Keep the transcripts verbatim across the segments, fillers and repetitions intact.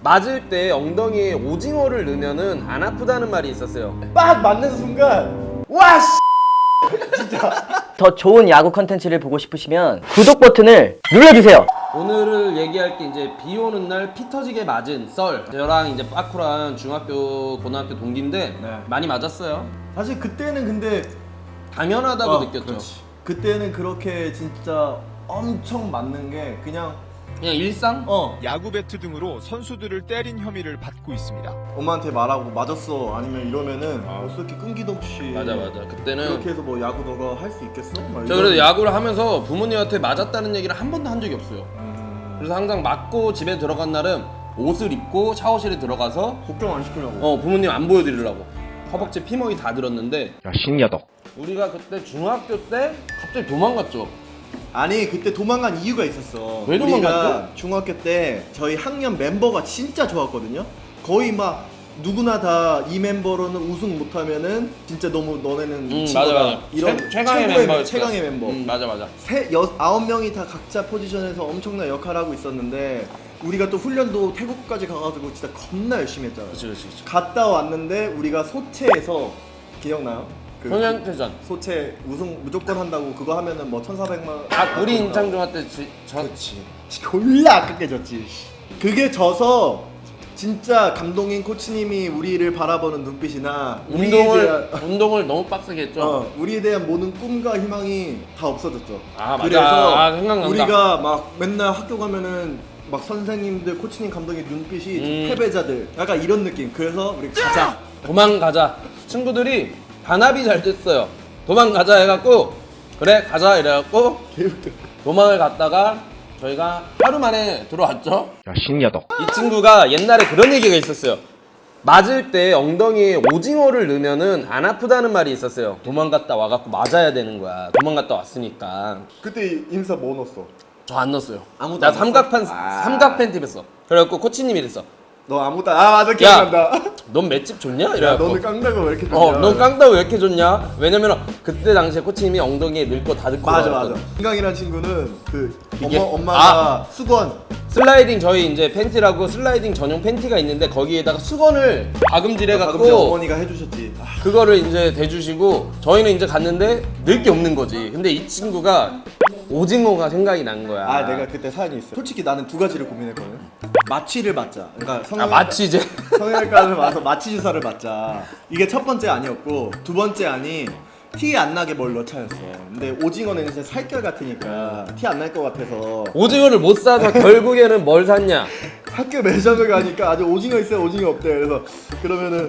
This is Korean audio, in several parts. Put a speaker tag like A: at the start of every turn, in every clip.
A: 맞을 때 엉덩이에 오징어를 넣으면은 안 아프다는 말이 있었어요.
B: 빡 맞는 순간 와 씨.
C: 더 좋은 야구 컨텐츠를 보고 싶으시면 구독 버튼을 눌러주세요.
A: 오늘을 얘기할 게 이제 비 오는 날 피 터지게 맞은 썰. 저랑 이제 빠쿠랑 중학교 고등학교 동기인데
B: 네.
A: 많이 맞았어요.
B: 사실 그때는 근데
A: 당연하다고
B: 어,
A: 느꼈죠.
B: 그렇지. 그때는 그렇게 진짜 엄청 맞는 게 그냥
A: 그냥 일상?
B: 어
D: 야구 배트 등으로 선수들을 때린 혐의를 받고 있습니다.
B: 엄마한테 말하고 맞았어 아니면 이러면은 벌써 이렇게 끈기도 없이
A: 맞아 맞아. 그때는
B: 그렇게 해서 뭐 야구 너가 할 수 있겠어? 막
A: 저
B: 이런-
A: 그래도 야구를 하면서 부모님한테 맞았다는 얘기를 한 번도 한 적이 없어요.
B: 음,
A: 그래서 항상 맞고 집에 들어간 날은 옷을 입고 샤워실에 들어가서
B: 걱정 안 시키려고.
A: 어 부모님 안 보여드리려고 허벅지 피멍이 다 들었는데
D: 야 신야덕.
A: 우리가 그때 중학교 때 갑자기 도망갔죠.
B: 아니 그때 도망간 이유가 있었어.
A: 왜
B: 우리가
A: 도망갔죠?
B: 중학교 때 저희 학년 멤버가 진짜 좋았거든요. 거의 막 누구나 다 이 멤버로는 우승 못하면은 진짜 너무 너네는
A: 음
B: 미친
A: 맞아
B: 거다.
A: 맞아.
B: 이런
A: 최, 최강의
B: 최고의
A: 멤버.
B: 최강의 멤버.
A: 음 맞아 맞아.
B: 세 여, 아홉 명이 다 각자 포지션에서 엄청난 역할을 하고 있었는데 우리가 또 훈련도 태국까지 가가지고 진짜 겁나 열심히 했잖아요.
A: 그치 그치 그치.
B: 갔다 왔는데 우리가 소체에서 기억나요? 그
A: 평양태전.
B: 소체 우승 무조건 한다고 그거 하면은 뭐 천사백만
A: 아 우리 인창 중학 때 지, 저
B: 그렇지 졸라 아깝게 졌지. 그게 져서 진짜 감독인 코치님이 우리를 바라보는 눈빛이나 우리에
A: 운동을
B: 대한,
A: 운동을 너무 빡세게 했죠.
B: 어, 우리에 대한 모든 꿈과 희망이 다 없어졌죠.
A: 아, 맞아.
B: 그래서
A: 아, 생각난다.
B: 우리가 막 맨날 학교 가면은 막 선생님들 코치님 감독의 눈빛이
A: 음.
B: 패배자들 약간 이런 느낌. 그래서 우리 가자.
A: 도망가자. 친구들이 단합이 잘 됐어요. 도망가자 해갖고 그래 가자 이래갖고
B: 개웃겨.
A: 도망을 갔다가 저희가 하루 만에 들어왔죠.
D: 야 신야덕.
A: 이 친구가 옛날에 그런 얘기가 있었어요. 맞을 때 엉덩이에 오징어를 넣으면은 안 아프다는 말이 있었어요. 도망갔다 와갖고 맞아야 되는 거야. 도망갔다 왔으니까.
B: 그때 인사 뭐 넣었어?
A: 저 안 넣었어요.
B: 아무도
A: 나
B: 안
A: 삼각판
B: 넣었어? 아.
A: 삼각 팬티 입었어. 그래갖고 코치님이 이랬어.
B: 너 아무도 아 맞아 기억난다.
A: 넌 맷집 좋냐?
B: 야
A: 이래갖고.
B: 너는 깡다가 왜 이렇게 좋냐?
A: 어, 넌 깡다 왜 이렇게 좋냐? 왜냐면 그때 당시에 코치님이 엉덩이에 넣을 거 다 넣고
B: 맞아
A: 나왔거든.
B: 맞아. 승강이란 친구는 그
A: 이게-
B: 엄마 엄마가 수건
A: 슬라이딩 저희 이제 팬티라고 슬라이딩 전용 팬티가 있는데 거기에다가 수건을 박음질
B: 방금
A: 해갖고
B: 어머니가 해주셨지. 아,
A: 그거를 이제 대주시고 저희는 이제 갔는데 넣을 게 없는 거지. 근데 이 친구가 오징어가 생각이 난 거야.
B: 아 내가 그때 사연이 있어. 솔직히 나는 두 가지를 고민했거든. 마취를 맞자. 그러니까
A: 아
B: 성형
A: 마치 이제
B: 성형외과를 와서 마취 주사를 맞자. 이게 첫 번째 아니었고 두 번째 아니 티 안 나게 뭘 넣자였어. 근데 오징어는 이제 살결 같으니까 티 안 날 것 같아서
A: 오징어를 못 사서 결국에는 뭘 샀냐?
B: 학교 매점에 가니까 아주 오징어 있어요 오징어 없대. 그래서 그러면은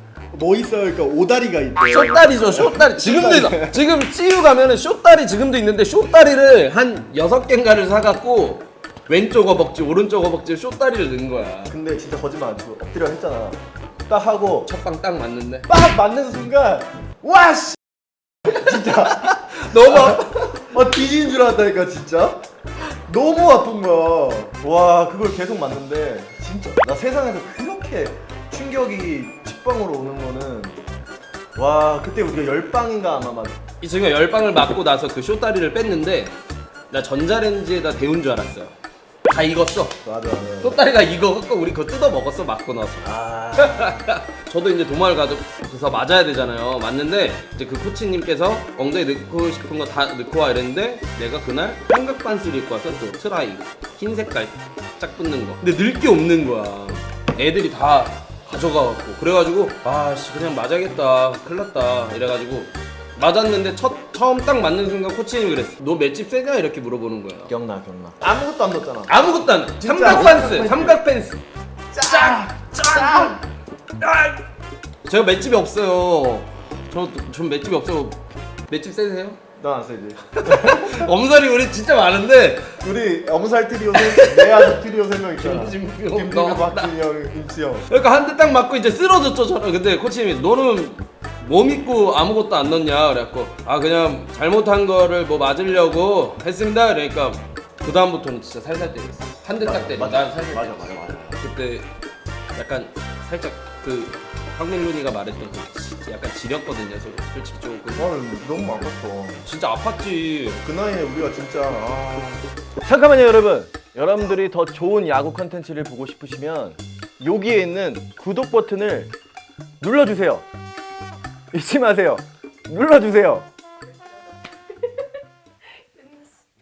B: 뭐 있어요? 그러니까 오다리가 있대.
A: 쇼다리죠, 쇼다리. 지금도 있어. 지금 찌유 가면은 쇼다리 지금도 있는데 쇼다리를 한 여섯 개인가를 사갖고 왼쪽 허벅지, 오른쪽 허벅지에 쇼다리를 넣은 거야.
B: 근데 진짜 거짓말 안 치고 엎드려 했잖아. 딱 하고
A: 첫방 딱 맞는데.
B: 빡 맞는 순간 와 씨. 진짜
A: 너무 아파.
B: 어 뒤지는 줄 알았다니까 진짜. 너무 아픈 거야. 와 그걸 계속 맞는데 진짜 나 세상에서 그렇게 충격이 직방으로 오는 거는 와 그때 우리가 열 방인가 아마 막
A: 이 친구가 열 방을 맞고 나서 그 쇼다리를 뺐는데 나 전자레인지에다 데운 줄 알았어요. 다 익었어.
B: 맞아 맞아.
A: 쇼다리가 익어갖고 우리 그거 뜯어 먹었어 맞고 나서.
B: 아
A: 저도 이제 도마를 가져서 맞아야 되잖아요. 맞는데 이제 그 코치님께서 엉덩이 넣고 싶은 거 다 넣고 와 이랬는데 내가 그날 삼각 반스를 입고 와서 또 트라이 흰 색깔 짝 붙는 거. 근데 넣을 게 없는 거야. 애들이 다 가져가갖고 그래가지고 아씨 그냥 맞아야겠다 큰일 났다 이래가지고 맞았는데 첫 처음 딱 맞는 순간 코치님이 그랬어. 너 맷집 세냐 이렇게 물어보는 거야.
B: 기억나 기억나. 아무것도 안 넣었잖아.
A: 아무것도 안 해.
B: 진짜
A: 삼각 팬스 삼각 팬스
B: 짱!
A: 짱! 아! 제가 맷집이 없어요. 저, 전 맷집이 없어요. 맷집 세세요?
B: 넌 안 세지.
A: 엄살이 우리 진짜 많은데
B: 우리 엄살 트리오 세, 내 아들 트리오 세 명 있잖아.
A: 김진표,
B: 김진표,
A: 너,
B: 박진영, 김치영.
A: 그러니까 한 대 딱 맞고 이제 쓰러졌죠 저는. 근데 코치님이 너는 뭐 믿고 아무것도 안 넣냐 그래갖고 아 그냥 잘못한 거를 뭐 맞으려고 했습니다. 그러니까 그 다음부터는 진짜 살살 때렸어. 한 대 딱 때려. 난 살살
B: 맞아
A: 때렸어.
B: 맞아 맞아.
A: 그때 약간 살짝 그 황민룬이가 말했던 그 지- 약간 지렸거든요. 솔- 솔직히 조금
B: 나는 너무 아팠어.
A: 진짜 아팠지.
B: 그 나이에 우리가 진짜 아...
C: 잠깐만요 여러분. 여러분들이 더 좋은 야구 컨텐츠를 보고 싶으시면
B: 여기에 있는 구독 버튼을 눌러주세요. 잊지 마세요. 눌러주세요.